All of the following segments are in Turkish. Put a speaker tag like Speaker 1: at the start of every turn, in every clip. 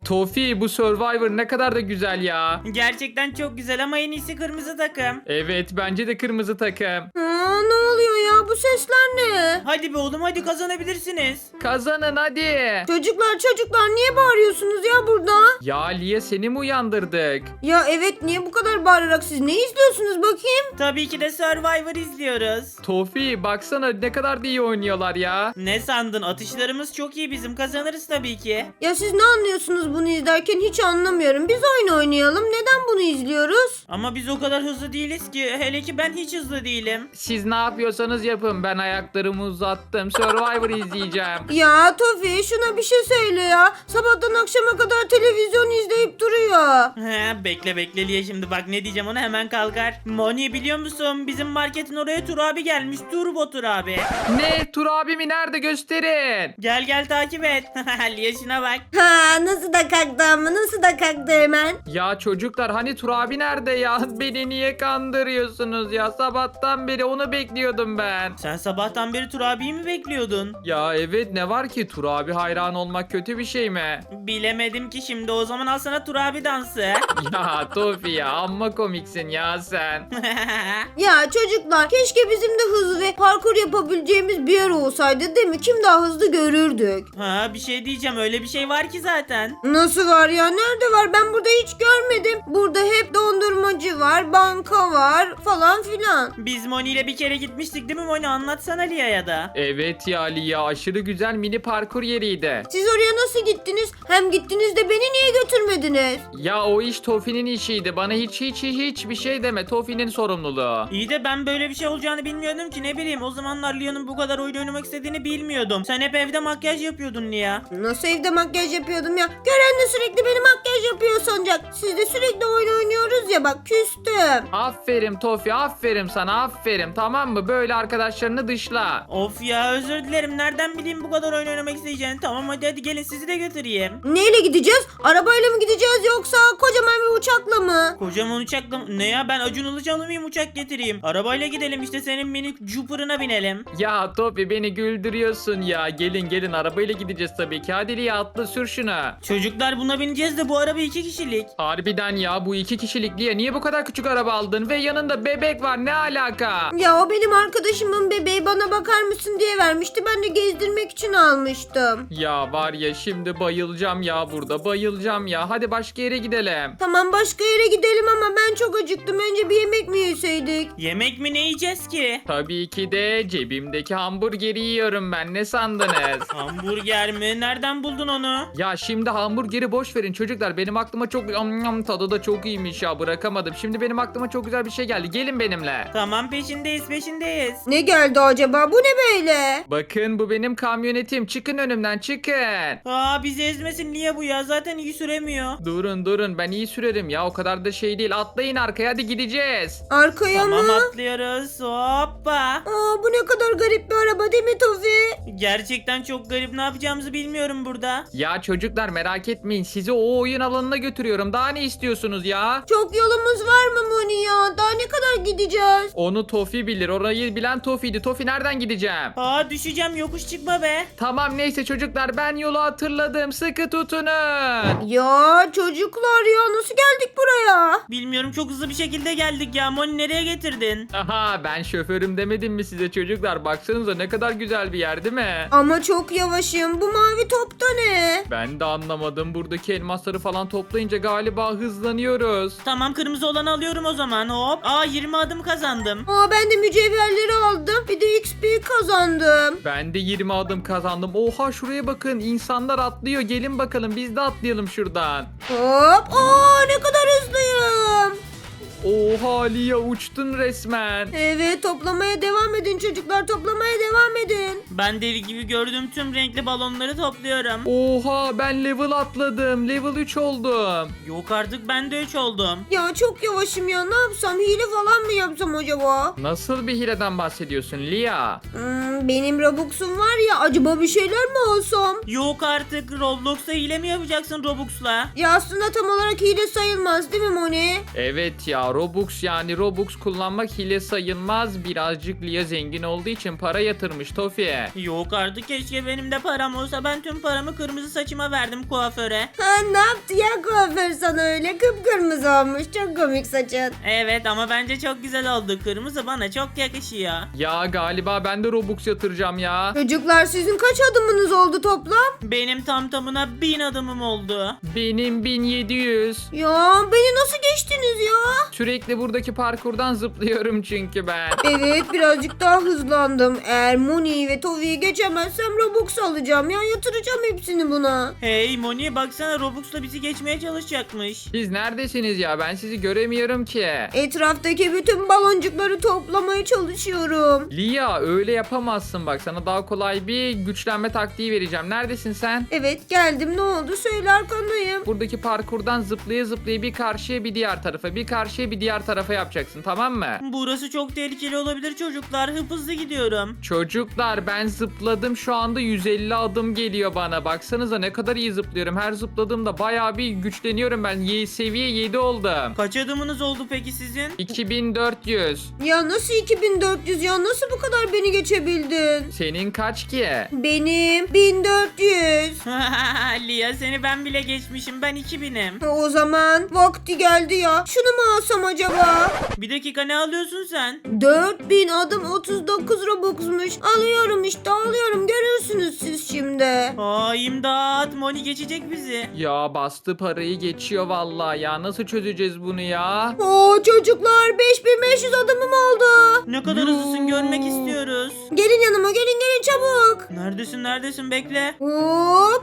Speaker 1: Tofi, bu Survivor ne kadar da güzel ya.
Speaker 2: Gerçekten çok güzel ama en iyisi kırmızı takım.
Speaker 1: Evet, bence de kırmızı takım.
Speaker 3: Ne oluyor ya? Bu sesler ne?
Speaker 2: Hadi be oğlum, hadi kazanabilirsiniz.
Speaker 1: Kazanın hadi.
Speaker 3: Çocuklar niye bağırıyorsunuz ya burada?
Speaker 1: Ya Lia, seni mi uyandırdık?
Speaker 3: Ya evet, niye bu kadar bağırarak siz ne izliyorsunuz bakayım?
Speaker 2: Tabii ki de Survivor izliyoruz.
Speaker 1: Tofi, baksana ne kadar da iyi oynuyorlar ya.
Speaker 2: Ne sandın? Atışlarımız çok iyi bizim. Kazanırız tabii ki.
Speaker 3: Ya siz ne anlıyorsunuz bunu izlerken, hiç anlamıyorum. Biz oyun oynayalım. Neden bunu izliyoruz?
Speaker 2: Ama biz o kadar hızlı değiliz ki. Hele ki ben hiç hızlı değilim.
Speaker 1: Siz ne yapıyorsanız yapın, ben ayaklarımı uzattım. Survivor izleyeceğim.
Speaker 3: Ya Tofi, şuna bir şey söyle ya. Sabahtan akşama kadar televizyon izleyip duruyor.
Speaker 2: He, bekle Liye, şimdi bak ne diyeceğim, ona hemen kalkar. Moni, biliyor musun? Bizim marketin oraya Tur abi gelmiş. Turbo Tur abi.
Speaker 1: Ne? Tur abimi nerede, gösterin.
Speaker 2: Gel takip et. Liye şuna bak.
Speaker 3: Ha, nasıl da kalktı ama, nasıl da kalktı hemen.
Speaker 1: Ya çocuklar, hani Tur abi nerede ya? Beni niye kandırıyorsunuz ya? Sabahtan beri onu bekliyordum ben.
Speaker 2: Sen sabahtan beri Tur abiyi mi bekliyordun?
Speaker 1: Ya evet, ne var ki, Tur abi hayran olmak kötü bir şey mi?
Speaker 2: Bilemedim ki şimdi. O zaman al sana Tur abi dansı.
Speaker 1: Ya Tofi ya, amma komiksin ya sen.
Speaker 3: Ya çocuklar, keşke bizim de hızlı ve parkur yapabileceğimiz bir yer olsaydı, değil mi? Kim daha hızlı görürdük.
Speaker 2: Ha, bir şey diyeceğim, öyle bir şey var ki zaten.
Speaker 3: Nasıl var ya? Nerede var? Ben burada hiç görmedim. Burada hep dondurmacı var, banka var falan filan.
Speaker 2: Biz Moni ile bir kere gitmiştik değil mi Moni? Anlatsana Lia'ya da.
Speaker 1: Evet ya Lia, aşırı güzel mini parkur yeriydi.
Speaker 3: Siz oraya nasıl gittiniz? Hem gittiniz de beni niye götürmediniz?
Speaker 1: Ya o iş Tofi'nin işiydi. Bana hiç bir şey deme. Tofi'nin sorumluluğu.
Speaker 2: İyi de ben böyle bir şey olacağını bilmiyordum ki, ne bileyim. O zamanlar Lia'nın bu kadar oyun oynamak istediğini bilmiyordum. Sen hep evde makyaj yapıyordun Lia.
Speaker 3: Nasıl evde makyaj yapıyordum ya? Gören de sürekli beni makyaj yapıyor sanacak. Siz de sürekli oyun oynuyoruz ya, bak küstüm.
Speaker 1: Aferin Tofi, aferin sana, aferin, tamam mı? Böyle arkadaşlarını dışla.
Speaker 2: Of ya, özür dilerim. Nereden bileyim bu kadar oyun oynamak isteyeceğini. Tamam, hadi gelin sizi de götüreyim.
Speaker 3: Neyle gideceğiz? Arabayla mı gideceğiz yoksa kocaman bir uçakla mı?
Speaker 2: Kocaman uçakla ne ya, ben Acun Ilıcalı mıyım uçak getireyim? Arabayla gidelim işte, senin minik Jupiter'ına binelim.
Speaker 1: Ya Tofi, beni güldürüyorsun ya. Gelin arabayla gideceğiz tabii ki. Hadi Lia, atla, sür şunu.
Speaker 2: Çocuklar, buna bineceğiz de bu araba 2 kişilik.
Speaker 1: Harbiden ya, bu 2 kişilik Lia. Niye bu kadar küçük araba aldın? Ve yanında bebek var, ne alaka?
Speaker 3: Ya o benim arkadaşımın bebeği, bana bakar mısın diye vermişti. Ben de gezdirmek için almıştım.
Speaker 1: Ya var ya, şimdi bayılacağım ya burada, bayılacağım ya. Hadi başka yere gidelim.
Speaker 3: Tamam, başka yere gidelim ama ben çok acıktım. Önce bir yemek mi yeseydik?
Speaker 2: Yemek mi, ne yiyeceğiz ki?
Speaker 1: Tabii ki de cebimdeki hamburgeri yiyorum ben. Ne sandınız?
Speaker 2: Hamburger mi? Nereden buldun onu?
Speaker 1: Ya şimdi hamburgeri boş verin çocuklar. Benim aklıma çok tadı da çok iyiymiş ya, bırakamadım. Şimdi benim aklıma çok güzel bir şey geldi. Gelin benimle.
Speaker 2: Tamam, peşindeyiz.
Speaker 3: Ne geldi acaba? Bu ne böyle?
Speaker 1: Bakın, bu benim kamyonetim. Çıkın önümden, çıkın.
Speaker 2: Aa, bizi ezmesin, niye bu ya? Zaten iyi süremiyor.
Speaker 1: Durun, ben iyi sürerim ya, o kadar da şey değil. Atlayın arkaya, hadi gideceğiz.
Speaker 3: Arkaya
Speaker 2: Tamam,
Speaker 3: mı?
Speaker 2: atlıyoruz. Hoppa.
Speaker 3: Aa, bu ne kadar garip bir araba değil mi Tofi?
Speaker 2: Gerçekten çok garip, ne yapacağımızı bilmiyorum burada.
Speaker 1: Ya çocuklar, merak etmeyin, sizi o oyun alanına götürüyorum. Daha ne istiyorsunuz ya?
Speaker 3: Çok yolumuz var mı Moni ya? Daha ne kadar gideceğiz?
Speaker 1: Onu Tofi bilir. Orayı bilen Tofi'ydi. Tofi, nereden gideceğim?
Speaker 2: Aa, düşeceğim, yokuş çıkma be.
Speaker 1: Tamam, neyse çocuklar, ben yolu hatırladım. Sıkı tutunun.
Speaker 3: Ya çocuklar ya, nasıl geldik buraya?
Speaker 2: Bilmiyorum, çok hızlı bir şekilde geldik ya. Moni, nereye getirdin?
Speaker 1: Aha, ben şoförüm demedim mi size çocuklar? Baksanıza ne kadar güzel bir yer değil mi?
Speaker 3: Ama çok yavaşım. Bu mavi top da ne?
Speaker 1: Ben de anlamadım. Buradaki elmasları falan toplayınca galiba hızlanıyoruz.
Speaker 2: Tamam, kırmızı olanı alıyorum o zaman. Hop. Aa, 20 adım kazandım.
Speaker 3: Aa, ben de mücevherleri aldım. Bir de XP kazandım.
Speaker 1: Ben de 20 adım kazandım. Oha, şuraya bakın. İnsanlar atlıyor. Gelin bakalım, biz de atlayalım şuradan.
Speaker 3: Hop. Aa, ne kadar hızlıyım.
Speaker 1: Oha Lia, uçtun resmen.
Speaker 3: Evet, toplamaya devam edin çocuklar. Toplamaya devam edin.
Speaker 2: Ben deli gibi gördüğüm tüm renkli balonları topluyorum.
Speaker 1: Oha, ben level atladım. Level 3 oldum.
Speaker 2: Yok artık, ben de 3 oldum.
Speaker 3: Ya çok yavaşım ya. Ne yapsam? Hile falan mı yapsam acaba?
Speaker 1: Nasıl bir hileden bahsediyorsun Lia?
Speaker 3: Benim Robux'um var ya. Acaba bir şeyler mi alsam?
Speaker 2: Yok artık, Roblox'ta hile mi yapacaksın Robux'la?
Speaker 3: Ya aslında tam olarak hile sayılmaz değil mi Moni?
Speaker 1: Evet ya, ya. Robux yani Robux kullanmak hile sayılmaz. Birazcık Lia zengin olduğu için para yatırmış Tofi.
Speaker 2: Yok artık, keşke benim de param olsa. Ben tüm paramı kırmızı saçıma verdim kuaföre.
Speaker 3: Ha, ne yaptı ya kuaför sana öyle? Kıpkırmızı olmuş. Çok komik saçın.
Speaker 2: Evet ama bence çok güzel oldu. Kırmızı bana çok yakışıyor.
Speaker 1: Ya galiba ben de Robux yatıracağım ya.
Speaker 3: Çocuklar sizin kaç adımınız oldu toplam?
Speaker 2: Benim tam tamına 1000 adımım oldu.
Speaker 1: Benim 1700.
Speaker 3: Ya beni nasıl geçtiniz ya?
Speaker 1: Sürekli buradaki parkurdan zıplıyorum çünkü ben.
Speaker 3: Evet birazcık daha hızlandım. Eğer Moni'yi ve Tovi'yi geçemezsem Robux alacağım ya. Yatıracağım hepsini buna.
Speaker 2: Hey Moni, baksana Robux'la bizi geçmeye çalışacakmış.
Speaker 1: Siz neredesiniz ya? Ben sizi göremiyorum ki.
Speaker 3: Etraftaki bütün baloncukları toplamaya çalışıyorum.
Speaker 1: Lia öyle yapamazsın bak. Sana daha kolay bir güçlenme taktiği vereceğim. Neredesin sen?
Speaker 3: Evet geldim, ne oldu söyle, arkandayım.
Speaker 1: Buradaki parkurdan zıplaya zıplaya bir karşıya bir diğer tarafa, bir karşıya bir diğer tarafa yapacaksın, tamam mı?
Speaker 2: Burası çok tehlikeli olabilir çocuklar. Hızlı gidiyorum.
Speaker 1: Çocuklar ben zıpladım, şu anda 150 adım geliyor bana. Baksanıza ne kadar iyi zıplıyorum. Her zıpladığımda bayağı bir güçleniyorum ben. Seviye 7 oldum.
Speaker 2: Kaç adımınız oldu peki sizin?
Speaker 1: 2400.
Speaker 3: Ya nasıl 2400 ya, nasıl bu kadar beni geçebildin?
Speaker 1: Senin kaç ki?
Speaker 3: Benim 1400.
Speaker 2: Lia, seni ben bile geçmişim. Ben 2000'im.
Speaker 3: O zaman vakti geldi ya. Şunu mu alsam acaba?
Speaker 2: Bir dakika, ne alıyorsun sen?
Speaker 3: 4000 adım 39 Robux'muş. Alıyorum işte, alıyorum. Görürsünüz siz şimdi.
Speaker 2: Aa, imdat. Moni geçecek bizi.
Speaker 1: Ya bastı parayı geçiyor vallahi ya. Nasıl çözeceğiz bunu ya?
Speaker 3: Oo çocuklar, 5500 adımım oldu.
Speaker 2: Ne kadar hızlısın, görmek istiyoruz.
Speaker 3: Gelin yanıma, gelin çabuk.
Speaker 2: Neredesin, bekle.
Speaker 3: Hop.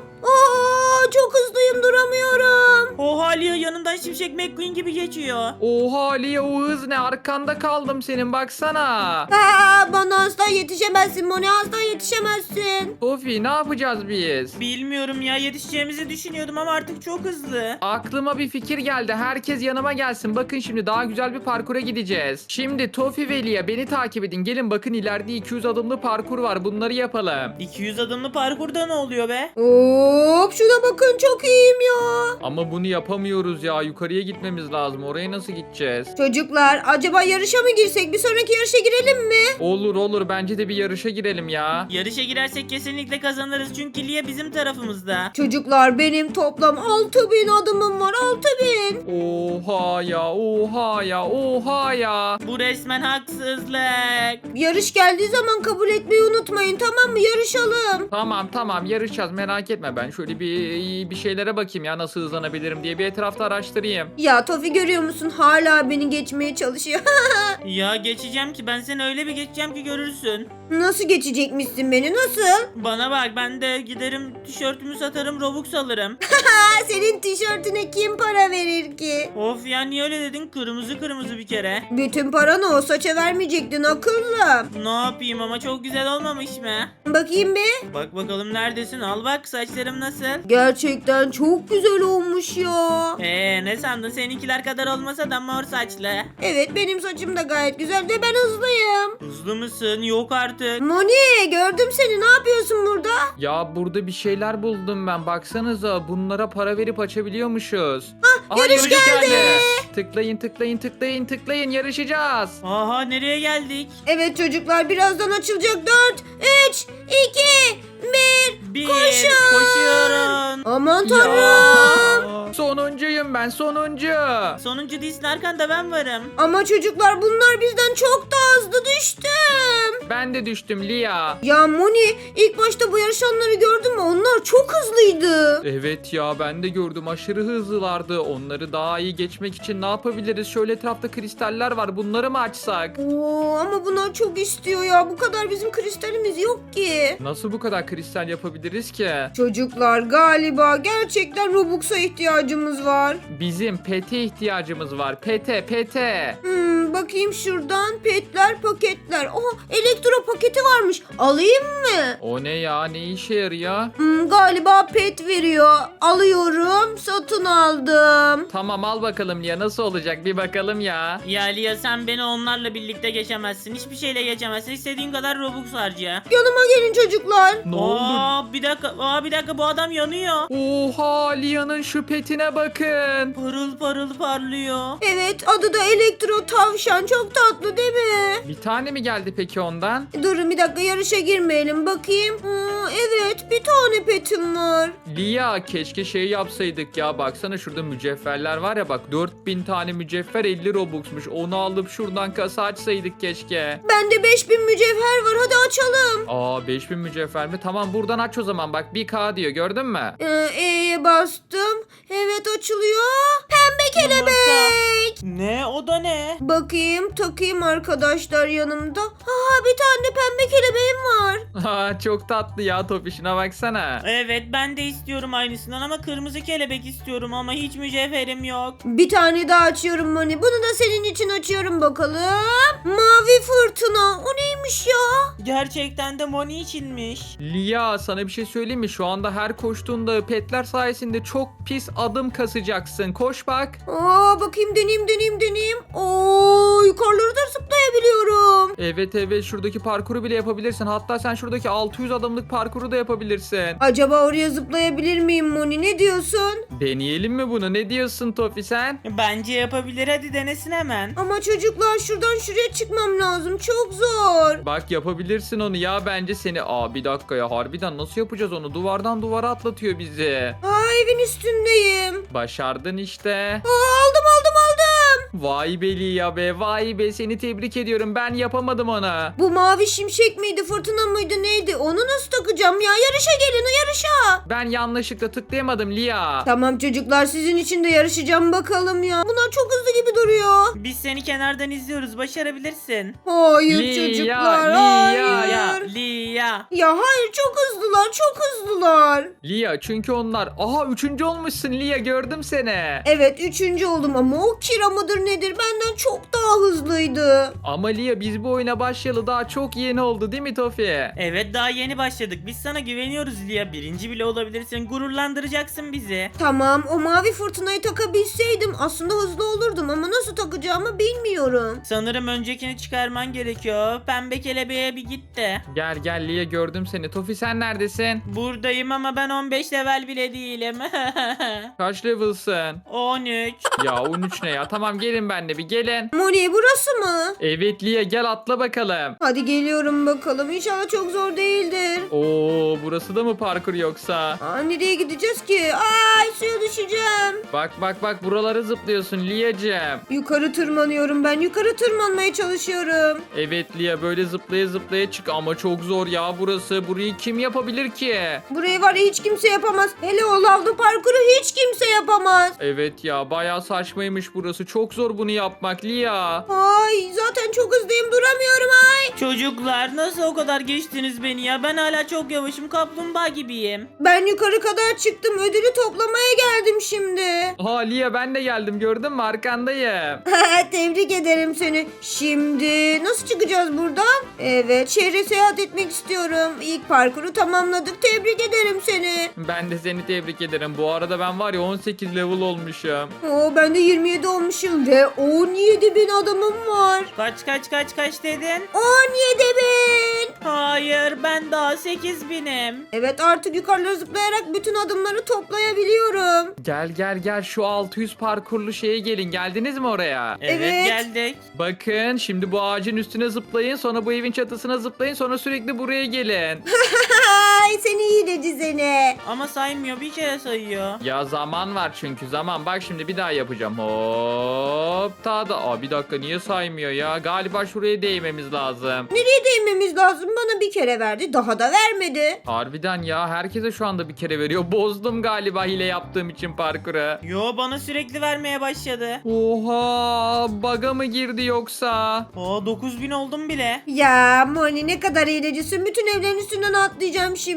Speaker 3: Oo çok hızlıyım, duramıyorum.
Speaker 2: Oha Lia, yanından Şimşek McQueen gibi geçiyor.
Speaker 1: Oha Lia, o hız ne? Arkanda kaldım senin, baksana.
Speaker 3: Ha, bana asla yetişemezsin Moni, asla yetişemezsin.
Speaker 1: Sofi ne yapacağız biz?
Speaker 2: Bilmiyorum ya, yetişeceğimizi düşünüyordum ama artık çok hızlı.
Speaker 1: Aklıma bir fikir geldi. Herkes yanıma gelsin. Bakın şimdi daha güzel bir parkura gideceğiz. Şimdi Tofi ve Lia beni takip edin. Gelin bakın, ileride 200 adımlı parkur var. Bunları yapalım.
Speaker 2: 200 adımlı parkurda ne oluyor be?
Speaker 3: Hop şuna bakın, çok iyiyim ya.
Speaker 1: Ama bunu yapamıyoruz ya. Yukarıya gitmemiz lazım. Oraya nasıl gideceğiz?
Speaker 3: Çocuklar acaba yarışa mı girsek? Bir sonraki yarışa girelim mi?
Speaker 1: Olur olur. Bence de bir yarışa girelim ya.
Speaker 2: Yarışa girersek kesinlikle kazanırız çünkü Lia bizim tarafımızda.
Speaker 3: Çocuklar benim toplam 6000 adımım var, 6000.
Speaker 1: Oha ya. Oha ya. Oha ya.
Speaker 2: Bu resmen haksızlık.
Speaker 3: Yarış geldiği zaman kabul etmeyi unutmayın, tamam mı? Yarışalım.
Speaker 1: Tamam yarışacağız, merak etme. Ben şöyle bir şeylere bakayım ya, nasıl hızlanabilirim diye bir etrafta araştırayım.
Speaker 3: Ya Tofi, görüyor musun? Hala beni geçmeye çalışıyor.
Speaker 2: Ya geçeceğim ki, ben seni öyle bir geçeceğim ki görürsün.
Speaker 3: Nasıl geçecekmişsin beni, nasıl?
Speaker 2: Bana bak, ben de giderim tişörtümü satarım, Robux alırım.
Speaker 3: Ha, senin tişörtüne kim para verir ki?
Speaker 2: Of ya, niye öyle dedin? Kırmızı bir kere.
Speaker 3: Bütün paranı o saça vermeyecektin akıllım.
Speaker 2: Ne yapayım ama çok güzel olmamış mı?
Speaker 3: Bakayım bir.
Speaker 2: Bak bakalım, neredesin? Al bak, saçlarım nasıl?
Speaker 3: Gerçekten çok güzel olmuş ya.
Speaker 2: Ne sandın? Seninkiler kadar olmasa da mor saçlı.
Speaker 3: Evet benim saçım da gayet güzel ve ben hızlıyım.
Speaker 2: Hızlı mısın? Yok artık.
Speaker 3: Moni, gördüm seni, ne yapıyorsun burada?
Speaker 1: Ya burada bir şeyler buldum ben. Baksanıza, bunlara para verip açabiliyormuşuz. Aha,
Speaker 3: yarış geldi.
Speaker 1: Tıklayın, yarışacağız.
Speaker 2: Aha, nereye geldik?
Speaker 3: Evet çocuklar, birazdan açılacak. 4, 3, 2, 1.
Speaker 2: Bir,
Speaker 3: Koşun.
Speaker 2: koşuyorum.
Speaker 3: Aman tanrım.
Speaker 1: Ya, sonuncuyum ben, sonuncu.
Speaker 2: Sonuncu değilsin, arkanda ben varım.
Speaker 3: Ama çocuklar bunlar bizden çok daha hızlı, düştüm.
Speaker 1: Ben de düştüm Lia.
Speaker 3: Ya Moni, ilk başta bu yarışanları gördün mü? Onlar çok hızlıydı.
Speaker 1: Evet ya, ben de gördüm, aşırı hızlılardı. Onları daha iyi geçmek için ne yapabiliriz? Şöyle etrafta kristaller var, bunları mı açsak?
Speaker 3: Oo, ama bunlar çok istiyor ya. Bu kadar bizim kristalimiz yok ki.
Speaker 1: Nasıl bu kadar kristal yapabiliriz ki?
Speaker 3: Çocuklar galiba gerçekten Robux'a ihtiyacımız var.
Speaker 1: Bizim pete ihtiyacımız var. Pete.
Speaker 3: Bakayım şuradan, petler, paketler. Oha, elektro paketi varmış. Alayım mı?
Speaker 1: O ne ya? Ne işe yarıyor?
Speaker 3: Galiba pet veriyor. Alıyorum, satın fırtına aldım.
Speaker 1: Tamam al bakalım Lia, nasıl olacak bir bakalım ya.
Speaker 2: Ya Lia sen beni onlarla birlikte geçemezsin. Hiçbir şeyle geçemezsin. İstediğin kadar Robux harca.
Speaker 3: Yanıma gelin çocuklar.
Speaker 1: Ne oldu?
Speaker 2: Bir dakika bu adam yanıyor.
Speaker 1: Oha, Lia'nın şu petine bakın.
Speaker 2: Parıl parıl parlıyor.
Speaker 3: Evet, adı da Elektro Tavşan. Çok tatlı değil mi?
Speaker 1: Bir tane mi geldi peki ondan?
Speaker 3: Durun bir dakika, yarışa girmeyelim bakayım. Evet, bir tane petim var.
Speaker 1: Lia, keşke şey yapsaydık ya, baksana şurada mücevherler var ya, bak 4000 tane mücevher 50 Robux'muş, onu alıp şuradan kasa açsaydık keşke.
Speaker 3: Bende 5000 mücevher var, hadi açalım.
Speaker 1: Aa, 5000 mücevher mi? Tamam, buradan aç o zaman, bak 1K diyor, gördün mü?
Speaker 3: E'ye bastım. Evet, açılıyor. Pembe kelebek.
Speaker 2: Ne? O da ne?
Speaker 3: Bakayım, takayım arkadaşlar yanımda. Bir tane pembe kelebeğim var.
Speaker 1: Aa, çok tatlı ya, Topiş'ine baksana.
Speaker 2: Evet ben de istiyorum aynısından ama kırmızı kelebek istiyorum ama hiç mücevherim yok.
Speaker 3: Bir tane daha açıyorum Moni. Bunu da senin için açıyorum bakalım. Mavi fırtına. O neymiş ya?
Speaker 2: Gerçekten de Moni içinmiş.
Speaker 1: Lia, sana bir şey söyleyeyim mi? Şu anda her koştuğunda petler sayesinde çok pis adım kasacaksın. Koş bak.
Speaker 3: Bakayım, deneyeyim. Yukarıları da zıplayabiliyorum.
Speaker 1: Evet, şuradaki parkuru bile yapabilirsin. Hatta sen şuradaki 600 adımlık parkuru da yapabilirsin.
Speaker 3: Acaba oraya zıplayabilir miyim Moni? Ne diyorsun?
Speaker 1: Deneyelim mi bunu? Ne diyorsun Tofi sen?
Speaker 2: Bence yapabilir, hadi denesin hemen.
Speaker 3: Ama çocuklar, şuradan şuraya çıkmam lazım. Çok zor.
Speaker 1: Bak yapabilirsin onu ya, bence seni. Bir dakika ya, harbiden nasıl yapacağız onu? Duvardan duvara atlatıyor bizi.
Speaker 3: Evin üstündeyim.
Speaker 1: Başardın işte.
Speaker 3: Aldım.
Speaker 1: Vay be Lia be, vay be, seni tebrik ediyorum. Ben yapamadım onu.
Speaker 3: Bu mavi şimşek miydi, fırtına mıydı, neydi? Onu nasıl takacağım ya? Yarışa gelin, yarışa.
Speaker 1: Ben yanlışlıkla tıklayamadım Lia.
Speaker 3: Tamam çocuklar, sizin için de yarışacağım bakalım ya. Bunlar çok hızlı gibi duruyor.
Speaker 2: Biz seni kenardan izliyoruz, başarabilirsin.
Speaker 3: Hayır
Speaker 1: Lia,
Speaker 3: çocuklar,
Speaker 1: Lia,
Speaker 3: hayır.
Speaker 2: Lia.
Speaker 3: Ya hayır, çok hızlılar.
Speaker 1: Lia, çünkü onlar. Aha, 3. olmuşsun Lia, gördüm seni.
Speaker 3: Evet, 3. oldum ama o Kira mıdır nedir, benden çok daha hızlıydı.
Speaker 1: Ama Lia, biz bu oyuna başlayalı daha çok yeni oldu değil mi Tofi?
Speaker 2: Evet daha yeni başladık. Biz sana güveniyoruz Lia. Birinci bile olabilirsin. Gururlandıracaksın bizi.
Speaker 3: Tamam, o mavi fırtınayı takabilseydim aslında hızlı olurdum ama nasıl takacağımı bilmiyorum.
Speaker 2: Sanırım öncekini çıkarman gerekiyor. Pembe kelebeğe bir git de.
Speaker 1: Gel Lia, gördüm seni. Tofi sen neredesin?
Speaker 2: Buradayım ama ben 15 level bile değilim.
Speaker 1: Kaç level'sın?
Speaker 2: 13.
Speaker 1: Ya 13 ne ya? Tamam, gelin benimle bir gelin.
Speaker 3: Moni, burası mı?
Speaker 1: Evet Lia, gel atla bakalım.
Speaker 3: Hadi geliyorum bakalım. İnşallah çok zor değildir.
Speaker 1: Oo, burası da mı parkur yoksa?
Speaker 3: Nereye gideceğiz ki? Ay, suya düşeceğim.
Speaker 1: Bak buraları zıplıyorsun Lia'cığım.
Speaker 3: Yukarı tırmanıyorum ben. Yukarı tırmanmaya çalışıyorum.
Speaker 1: Evet Lia, böyle zıplaya zıplaya çık ama çok zor ya burası. Burayı kim yapabilir ki?
Speaker 3: Burayı var ya hiç kimse yapamaz. Hele o lavlı parkuru hiç kimse yapamaz.
Speaker 1: Evet ya, bayağı saçmaymış burası. Çok zor bunu yapmak Lia.
Speaker 3: Ay, zaten çok hızlıyım, duramıyorum ay.
Speaker 2: Çocuklar nasıl o kadar geçtiniz beni ya? Ben hala çok yavaşım. Kaplumbağa gibiyim.
Speaker 3: Ben yukarı kadar çıktım. Ödülü toplamaya geldim şimdi.
Speaker 1: Lia, ben de geldim, gördün mü, arkandayım.
Speaker 3: Tebrik ederim seni. Şimdi nasıl çıkacağız buradan? Evet, şehre seyahat etmek istiyorum. İlk parkuru tamamladık. Tebrik ederim seni.
Speaker 1: Ben de seni tebrik ederim. Bu arada ben var ya 18 level olmuşum.
Speaker 3: Ben de 27 olmuşum ve 17 bin adamım var.
Speaker 2: Kaç dedin?
Speaker 3: 17 bin.
Speaker 2: Hayır ben daha 8.000'im.
Speaker 3: Evet, artık yukarılara zıplayarak bütün adımları toplayabiliyorum.
Speaker 1: Gel şu 600 parkurlu şeye gelin. Geldiniz mi oraya?
Speaker 3: Evet.
Speaker 2: Geldik.
Speaker 1: Bakın şimdi bu ağacın üstüne zıplayın, sonra bu evin çatısına zıplayın, sonra sürekli buraya gelin.
Speaker 3: Ay, seni hileci seni.
Speaker 2: Ama saymıyor, bir kere sayıyor.
Speaker 1: Ya zaman var çünkü zaman. Bak şimdi bir daha yapacağım. Hop. Bir dakika, niye saymıyor ya? Galiba şuraya değmemiz lazım.
Speaker 3: Nereye değmemiz lazım? Bana bir kere verdi, daha da vermedi.
Speaker 1: Harbiden ya, herkese şu anda bir kere veriyor. Bozdum galiba hile yaptığım için parkuru.
Speaker 2: Yo bana sürekli vermeye başladı.
Speaker 1: Oha, bug'a mı girdi yoksa?
Speaker 2: 9.000 oldum bile.
Speaker 3: Ya Moni, ne kadar hilecisin. Bütün evlerin üstünden atlayacağım şimdi.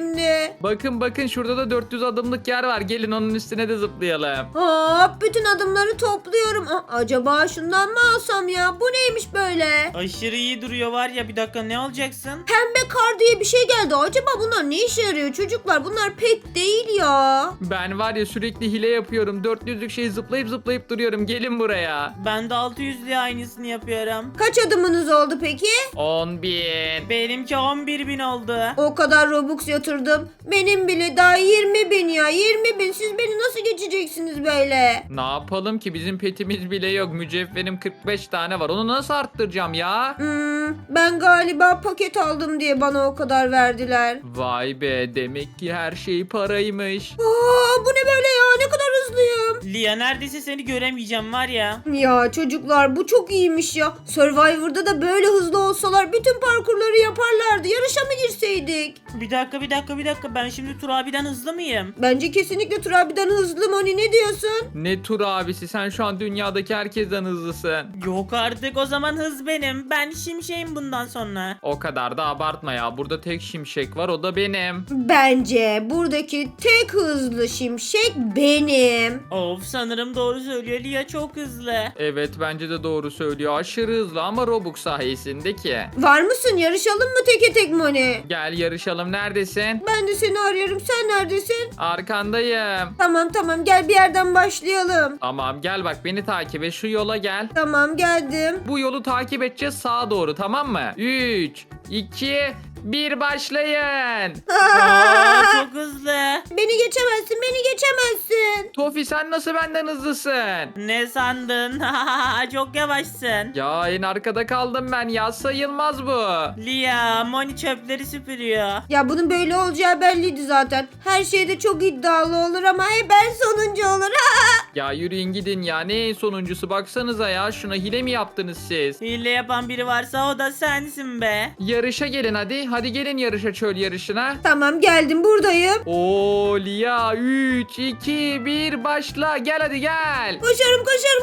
Speaker 3: şimdi.
Speaker 1: Bakın şurada da 400 adımlık yer var. Gelin onun üstüne de zıplayalım.
Speaker 3: Hop bütün adımları topluyorum. Acaba şundan mı alsam ya? Bu neymiş böyle?
Speaker 2: Aşırı iyi duruyor var ya, bir dakika ne alacaksın?
Speaker 3: Pembe kar diye bir şey geldi. Acaba bunlar ne işe yarıyor çocuklar? Bunlar pek değil ya.
Speaker 1: Ben var ya sürekli hile yapıyorum. 400'lük şeyi zıplayıp duruyorum. Gelin buraya.
Speaker 2: Ben de 600'lü aynısını yapıyorum.
Speaker 3: Kaç adımınız oldu peki?
Speaker 1: 10.000.
Speaker 2: Benimki 11.000 oldu.
Speaker 3: O kadar Robux yatırdım. Benim bile daha 20.000 ya. 20.000. Siz beni nasıl geçeceksiniz böyle?
Speaker 1: Ne yapalım ki bizim petimiz bile yok. Mücevherim 45 tane var. Onu nasıl arttıracağım ya?
Speaker 3: Ben galiba paket aldım diye bana o kadar verdiler.
Speaker 1: Vay be, demek ki her şey paraymış.
Speaker 3: Bu ne böyle ya? Ne kadar hızlıyım.
Speaker 2: Lia neredeyse seni göremeyeceğim var ya.
Speaker 3: Ya çocuklar bu çok iyiymiş ya. Survivor'da da böyle hızlı olsalar bütün parkurları yaparlardı. Yarışa mı girseydik?
Speaker 2: Bir dakika, ben şimdi Tur abiden hızlı mıyım?
Speaker 3: Bence kesinlikle Turabi'den hızlı Moni, ne diyorsun?
Speaker 1: Ne tur abisi, sen şu an dünyadaki herkesten hızlısın.
Speaker 2: Yok artık, o zaman hız benim. Ben şimşeğim bundan sonra.
Speaker 1: O kadar da abartma ya. Burada tek şimşek var, o da benim.
Speaker 3: Bence buradaki tek hızlı şimşek benim.
Speaker 2: Of, sanırım doğru söylüyor, Lia çok hızlı.
Speaker 1: Evet, bence de doğru söylüyor. Aşırı hızlı ama Robux sayesinde ki.
Speaker 3: Var mısın? Yarışalım mı teke tek Moni?
Speaker 1: Gel yarışalım, neredesin?
Speaker 3: Ben de seni arıyorum. Sen neredesin?
Speaker 1: Arkandayım.
Speaker 3: Tamam gel bir yerden başlayalım.
Speaker 1: Tamam gel, bak beni takip et, şu yola gel.
Speaker 3: Tamam geldim.
Speaker 1: Bu yolu takip edeceğiz, sağa doğru, tamam mı? 3, 2, 1 başlayın.
Speaker 2: Aa, çok hızlı.
Speaker 3: Beni geçemezsin.
Speaker 1: Tofi, sen nasıl benden hızlısın?
Speaker 2: Ne sandın? Çok yavaşsın.
Speaker 1: Ya en arkada kaldım ben ya, sayılmaz bu.
Speaker 2: Lia, Moni çöpleri süpürüyor.
Speaker 3: Ya bunun böyle olacağı belliydi zaten. Her şeyde çok iddialı olur ama hep ben sonuncu olur.
Speaker 1: Ya yürüyün gidin ya, ne en sonuncusu, baksanıza ya, şuna hile mi yaptınız siz?
Speaker 2: Hile yapan biri varsa o da sensin be.
Speaker 1: Yarışa gelin hadi gelin yarışa, çöl yarışına.
Speaker 3: Tamam geldim buradayım.
Speaker 1: Oo Lia, 3, 2, 1 başla, gel hadi gel.
Speaker 3: Koşuyorum.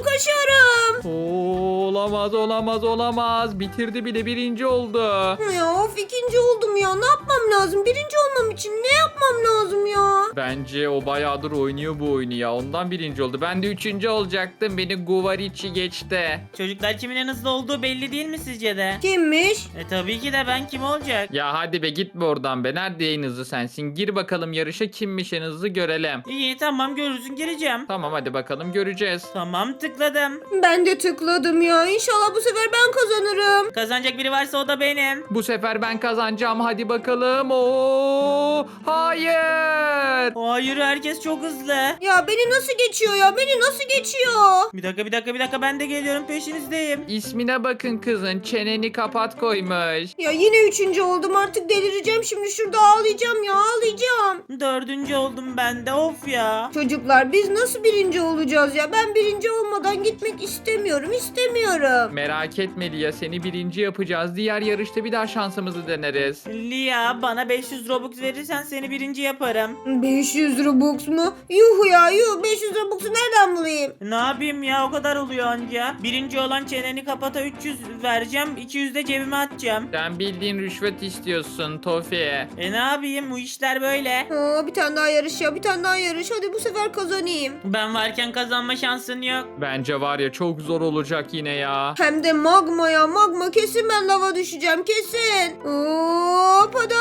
Speaker 1: Oo, olamaz, bitirdi bile, birinci oldu.
Speaker 3: Ya of ikinci oldum ya. Ne yapmam lazım? Birinci olmam için ne yapmam lazım ya?
Speaker 1: Bence o bayağıdır oynuyor bu oyunu ya, ondan birinci oldu. Ben de üçüncü olacaktım, beni Guvarici geçti.
Speaker 2: Çocuklar, kimin en hızlı olduğu belli değil mi sizce de?
Speaker 3: Kimmiş?
Speaker 2: Tabii ki de ben, kim olacak?
Speaker 1: Ya hadi be, gitme oradan be, nerede en hızlı sensin? Gir bakalım yarışa, kimmiş en hızlı görelim.
Speaker 2: İyi tamam, görürsün, gireceğim.
Speaker 1: Tamam hadi bakalım, göreceğiz.
Speaker 2: Tamam, tıkladım.
Speaker 3: Ben de tıkladım ya. İnşallah bu sefer ben kazanırım.
Speaker 2: Kazanacak biri varsa o da benim.
Speaker 1: Bu sefer ben kazanacağım, hadi bakalım. Oo, hayır.
Speaker 2: Hayır, herkes çok hızlı.
Speaker 3: Ya beni nasıl geçiyor ya? Beni nasıl geçiyor?
Speaker 2: Bir dakika, ben de geliyorum, peşinizdeyim.
Speaker 1: İsmine bakın kızın, çeneni kapat koymuş.
Speaker 3: Ya yine üçüncü oldum, artık delireceğim şimdi, şurada ağlayacağım ya, ağlayacağım.
Speaker 2: 4. oldum ben de, of ya.
Speaker 3: Çocuklar biz nasıl birinci olacağız ya? Ben birinci olmadan gitmek istemiyorum.
Speaker 1: Merak etme Lia, seni birinci yapacağız. Diğer yarışta bir daha şansımızı deneriz.
Speaker 2: Lia, bana 500 Robux verirsen seni birinci yaparım.
Speaker 3: 500 Robux mu? Yuh ya yuh, 500 Robux'u nereden bulayım?
Speaker 2: Ne yapayım ya, o kadar oluyor anca. Birinci olan çeneni kapata 300 vereceğim, 200 de cebime atacağım.
Speaker 1: Sen bildiğin rüşvet istiyorsun Tofi.
Speaker 2: Ne yapayım, bu işler böyle.
Speaker 3: Bir tane daha yarış ya, bir tane daha yarış. Hadi bu sefer kazanayım.
Speaker 2: Ben varken kazanma şansın yok.
Speaker 1: Bence var ya, çok zor olacak yine ya.
Speaker 3: Hem de magma ya, magma, kesin ben lava düşeceğim, kesin. Hop hadi.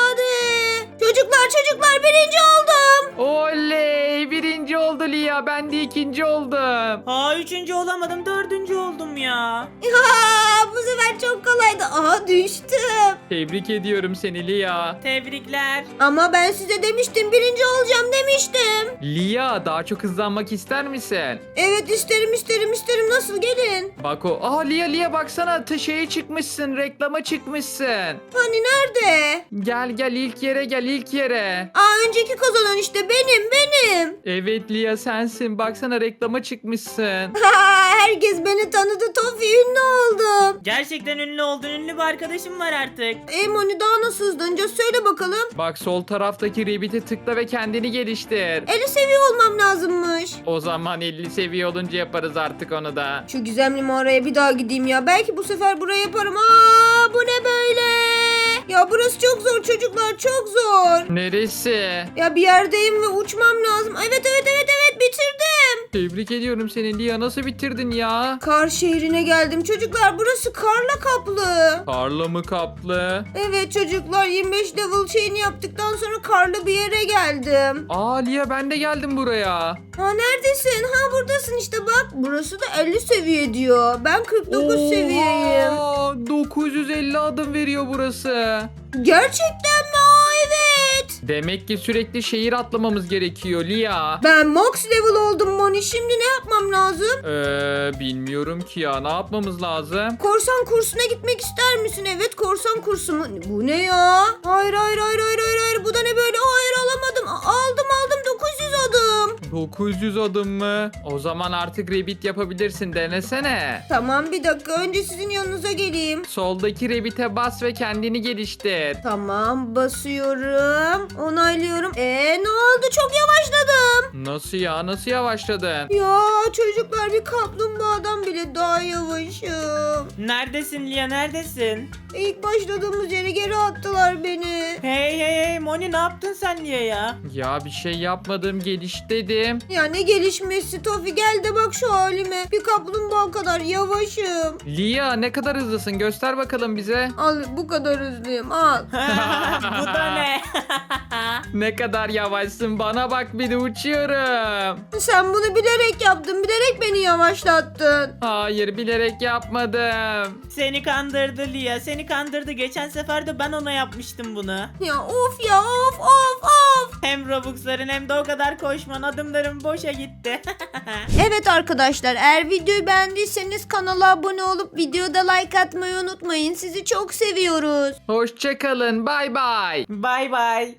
Speaker 3: Çocuklar birinci oldum.
Speaker 1: Oley, birinci oldu Lia, ben de ikinci oldum.
Speaker 2: Aa, 3. olamadım, 4. oldum ya.
Speaker 3: Bu sefer çok kolaydı. Aha düştüm.
Speaker 1: Tebrik ediyorum seni Lia.
Speaker 2: Tebrikler.
Speaker 3: Ama ben size demiştim, birinci olacağım demiştim.
Speaker 1: Lia, daha çok hızlanmak ister misin?
Speaker 3: Evet isterim. Nasıl, gelin?
Speaker 1: Bak o. Lia baksana, şeye çıkmışsın, reklama çıkmışsın.
Speaker 3: Hani nerede?
Speaker 1: Gel ilk yere.
Speaker 3: Önceki kazanan işte benim.
Speaker 1: Evet Lia, sensin, baksana reklama çıkmışsın.
Speaker 3: Herkes beni tanıdı, Tofi, ünlü oldum.
Speaker 2: Gerçekten ünlü oldun, ünlü bir arkadaşım var artık.
Speaker 3: Moni daha nasıl hızlanacağız, söyle bakalım.
Speaker 1: Bak sol taraftaki Rabbit'e tıkla ve kendini geliştir.
Speaker 3: 50 seviye olmam lazımmış.
Speaker 1: O zaman 50 seviye olunca yaparız artık onu da.
Speaker 3: Şu gizemli mağaraya bir daha gideyim ya. Belki bu sefer buraya yaparım. Bu ne böyle? Ya burası çok zor çocuklar, çok zor.
Speaker 1: Neresi?
Speaker 3: Ya bir yerdeyim ve uçmam lazım. Evet bitirdim.
Speaker 1: Tebrik ediyorum seni Lia. Nasıl bitirdin ya?
Speaker 3: Kar şehrine geldim çocuklar. Burası karla kaplı.
Speaker 1: Karla mı kaplı?
Speaker 3: Evet çocuklar, 25 level şeyini yaptıktan sonra karlı bir yere geldim.
Speaker 1: Aa Lia ben de geldim buraya.
Speaker 3: Ha neredesin? Ha buradasın işte bak. Burası da 50 seviye diyor. Ben 49 seviyeyim.
Speaker 1: Oha, 950 adım veriyor burası.
Speaker 3: Gerçekten mi? Aa, evet.
Speaker 1: Demek ki sürekli şehir atlamamız gerekiyor Lia.
Speaker 3: Ben max level oldum Moni. Şimdi ne yapmam lazım?
Speaker 1: Bilmiyorum ki ya. Ne yapmamız lazım?
Speaker 3: Korsan kursuna gitmek ister misin? Evet, korsan kursu mu? Bu ne ya? Hayır. Bu da ne böyle? Hayır, alamadım. Aldım 900 adım.
Speaker 1: 900 adım mı? O zaman artık Rabbit yapabilirsin. Denesene.
Speaker 3: Tamam, bir dakika. Önce sizin yanınıza geleyim.
Speaker 1: Soldaki Rabbit'e bas ve kendini geliştir.
Speaker 3: Tamam, basıyorum. Onaylıyorum. Ne oldu? Çok yavaşladım.
Speaker 1: Nasıl ya? Nasıl yavaşladın?
Speaker 3: Ya çocuklar, bir kaplumbağadan bile daha yavaşım.
Speaker 2: Neredesin Lia, neredesin?
Speaker 3: İlk başladığımız yere geri attılar beni.
Speaker 2: Hey Moni, ne yaptın sen Lia ya?
Speaker 1: Ya bir şey yapmadım. Geliş dedim.
Speaker 3: Ya ne gelişmesi Tofi, gel de bak şu halime. Bir kaplumbağa kadar yavaşım.
Speaker 1: Lia ne kadar hızlısın? Göster bakalım bize.
Speaker 3: Al, bu kadar hızlıyım, al.
Speaker 2: Bu da ne?
Speaker 1: Ne kadar yavaşsın. Bana bak bir de uçuyorum.
Speaker 3: Sen bunu bilerek yaptın, bilerek beni yavaşlattın.
Speaker 1: Hayır bilerek yapmadım.
Speaker 2: Seni kandırdı Lia, seni kandırdı. Geçen sefer de ben ona yapmıştım bunu.
Speaker 3: Ya of ya, of.
Speaker 2: Hem Robux'ların hem de o kadar koşman, adımlarım boşa gitti.
Speaker 3: Evet arkadaşlar, eğer videoyu beğendiyseniz kanala abone olup videoda like atmayı unutmayın. Sizi çok seviyoruz.
Speaker 1: Hoşçakalın. Bay bay.
Speaker 2: Bay bay.